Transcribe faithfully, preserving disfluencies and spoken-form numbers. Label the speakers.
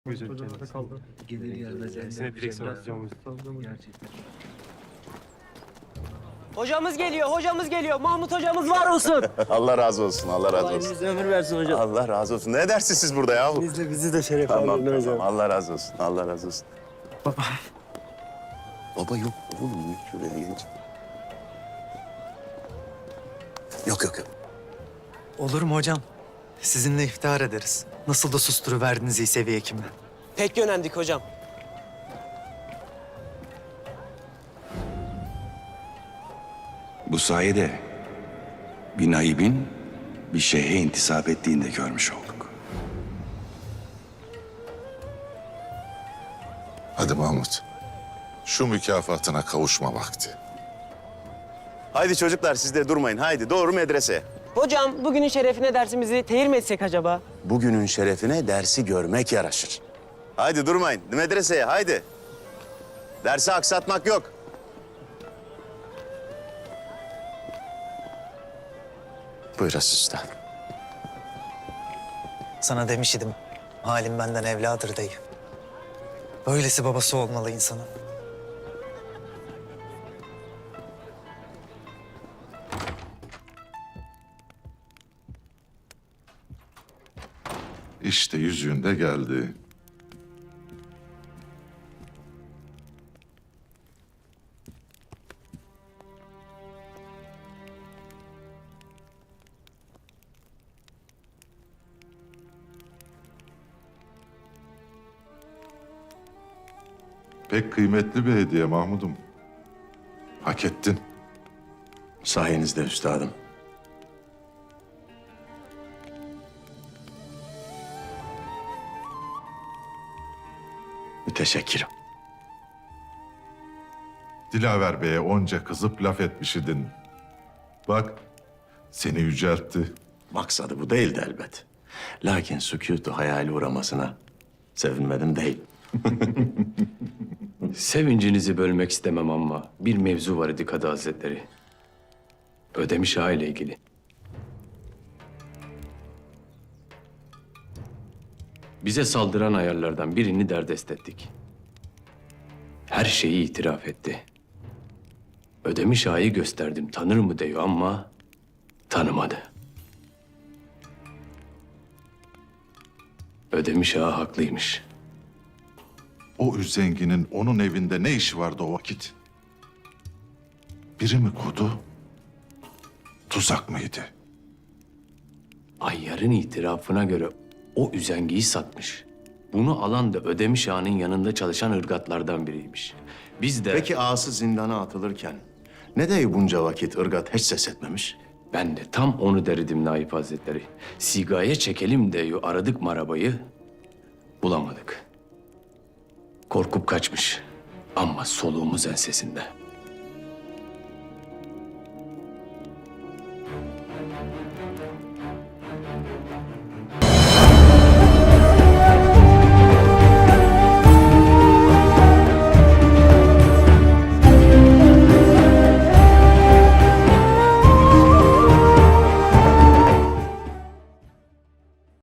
Speaker 1: Güzel
Speaker 2: Hocam
Speaker 1: kendisi.
Speaker 2: kaldı.
Speaker 3: Gelir gelmez
Speaker 1: Kendisine direksiyon atacağım.
Speaker 3: gerçekten.
Speaker 4: Hocamız geliyor, hocamız geliyor. Mahmut hocamız var olsun.
Speaker 5: Allah razı olsun, Allah razı
Speaker 3: Allah
Speaker 5: olsun.
Speaker 3: elinize ömür versin hocam.
Speaker 5: Allah razı olsun. Ne dersiniz siz burada ya?
Speaker 3: Biz de bizi de şeref
Speaker 5: Tamam,
Speaker 3: alın hocam.
Speaker 5: tamam. Allah razı olsun, Allah razı olsun. Baba. Baba yok oğlum, şuraya geç. Yok, yok, yok.
Speaker 6: Olur mu hocam? Sizinle iftihar ederiz. Nasıl da susturuverdiniz iyi seviye hekimle.
Speaker 4: Pek yönendik hocam.
Speaker 7: Bu sayede bir naibin bir şeyhe intisap ettiğini de görmüş olduk.
Speaker 8: Hadi Mahmut. Şu mükafatına kavuşma vakti.
Speaker 5: Haydi çocuklar siz de durmayın. Haydi doğru medreseye.
Speaker 4: Hocam bugünün şerefine dersimizi tehir mi etsek acaba?
Speaker 5: Bugünün şerefine dersi görmek yaraşır. Haydi durmayın. Medreseye haydi. Dersi aksatmak yok. Buyur üstad.
Speaker 6: Sana demiş idim. Halim benden evladır dayı. Böylesi babası olmalı insanın.
Speaker 8: İşte yüzüğün de geldi. Pek kıymetli bir hediye Mahmud'um. Hak ettin.
Speaker 7: Sayenizde üstadım. Müteşekkirim.
Speaker 8: Dilaver Bey'e onca kızıp laf etmiş idin. Bak, seni yüceltti.
Speaker 7: Maksadı bu değildi elbet. Lakin sükutu hayali uğramasına sevinmedim değil.
Speaker 9: Sevincinizi bölmek istemem ama bir mevzu var idi Kadı Hazretleri. Ödemiş Ağa ile ilgili. Bize saldıran ayarlardan birini derdest ettik. Her şeyi itiraf etti. Ödemiş Ağa'yı gösterdim tanır mı diyor ama tanımadı. Ödemiş Ağa haklıymış.
Speaker 8: O üzenginin onun evinde ne işi vardı o vakit? Biri mi kurdu? Tuzak mıydı?
Speaker 9: Ayyar'ın itirafına göre o üzengiyi satmış. Bunu alan da Ödemiş Ağa'nın yanında çalışan ırgatlardan biriymiş. Biz de...
Speaker 7: Peki ağası zindana atılırken ne de bunca vakit ırgat hiç ses etmemiş?
Speaker 9: Ben de tam onu derdim Naip Hazretleri. Sigaya çekelim diye aradık marabayı, bulamadık. Korkup kaçmış ama soluğumuz ensesinde.